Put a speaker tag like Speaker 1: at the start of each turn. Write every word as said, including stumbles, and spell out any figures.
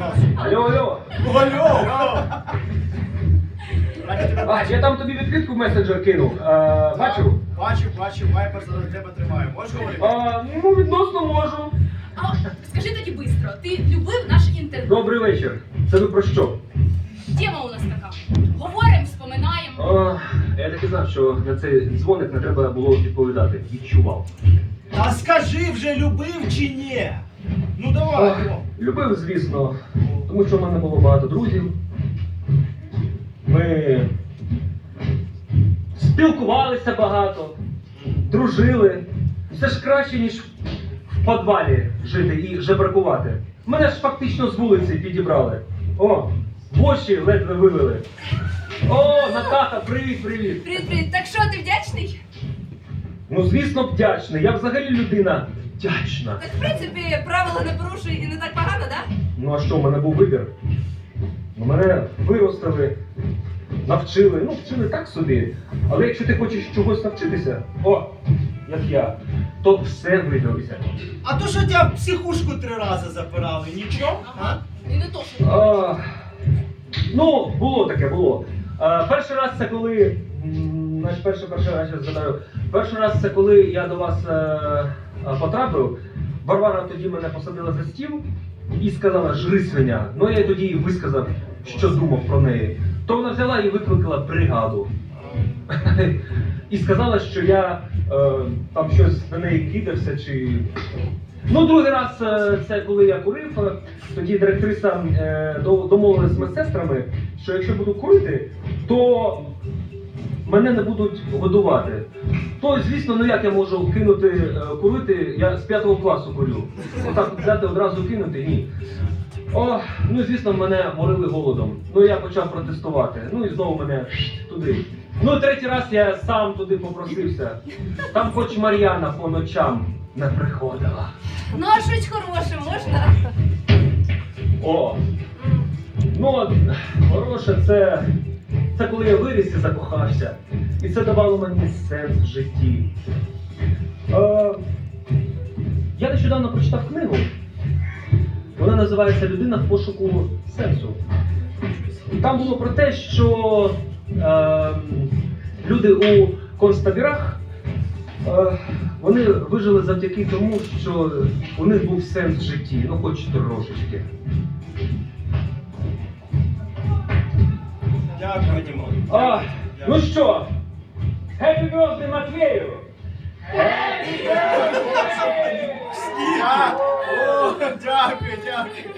Speaker 1: нас.
Speaker 2: Алло, алло.
Speaker 1: Алло!
Speaker 2: Бач, я там тобі відкритку в месенджер кинув. А, бачу?
Speaker 1: Бачив, бачив, вайпер зараз тебе тримає. Можеш говорити?
Speaker 2: А, ну, відносно можу.
Speaker 3: А скажи тоді бистро, ти любив наш інтерв'ю?
Speaker 2: Добрий вечір. Це ви про що?
Speaker 3: Тема у нас така. Говоримо, вспоминаємо.
Speaker 2: А, я так і знав, що на цей дзвоник не треба було відповідати. Відчував.
Speaker 1: Та скажи вже, любив чи ні? Ну давай,
Speaker 2: Ох,
Speaker 1: Дімо.
Speaker 2: любив, звісно, тому що в мене було багато друзів. Ми спілкувалися багато, дружили. Все ж краще, ніж в підвалі жити і жебракувати. Мене ж фактично з вулиці підібрали. О, воші ледве вивели. О, Натаха, привіт, привіт.
Speaker 3: Привіт, привіт. Так що, ти вдячний?
Speaker 2: Ну, звісно, вдячний. Я взагалі людина вдячна.
Speaker 3: Так, в принципі, правила не порушуй і не так погано, да?
Speaker 2: Ну а що, в мене був вибір? Ну, мене виростили, навчили, ну вчили так собі. Але якщо ти хочеш чогось навчитися, о, як я, то все виберуся.
Speaker 1: А то, що тебе в психушку три рази запирали, нічого? А?
Speaker 3: І не то, що.
Speaker 2: А, ну, було таке, було. А, перший раз це коли, м, значить, перший, перший раз я згадаю, перший раз це коли я до вас е, е, потрапив, Варвара тоді мене посадила за стіл і сказала «жри, свиня». Ну я їй тоді і висказав, що думав про неї. То вона взяла і викликала бригаду. І сказала, що я е, там щось на неї кидався чи... Ну, другий раз е, це коли я курив, е, тоді директриса е, до- домовилась з медсестрами, що якщо буду курити, то мене не будуть годувати. То, звісно, ну як я можу кинути е, курити, я з п'ятого класу курю. Отак взяти одразу кинути, ні. О, ну звісно, мене морили голодом. Ну я почав протестувати. Ну і знову мене туди. Ну третій раз я сам туди попросився. Там хоч Мар'яна по ночам не приходила.
Speaker 3: Ну, а щось хороше можна?
Speaker 2: О! Ну, от, хороше, це, це коли я виріс і закохався. І це давало мені сенс в житті. Е, я нещодавно прочитав книгу. Вона називається «Людина в пошуку сенсу». Там було про те, що е, люди у концтабірах, е, вони вижили завдяки тому, що у них був сенс в житті, ну хоч трошечки.
Speaker 1: Дякую, Дімо.
Speaker 2: А, ну що, Happy birthday, Матвею!
Speaker 1: А, о, дякую, дякую.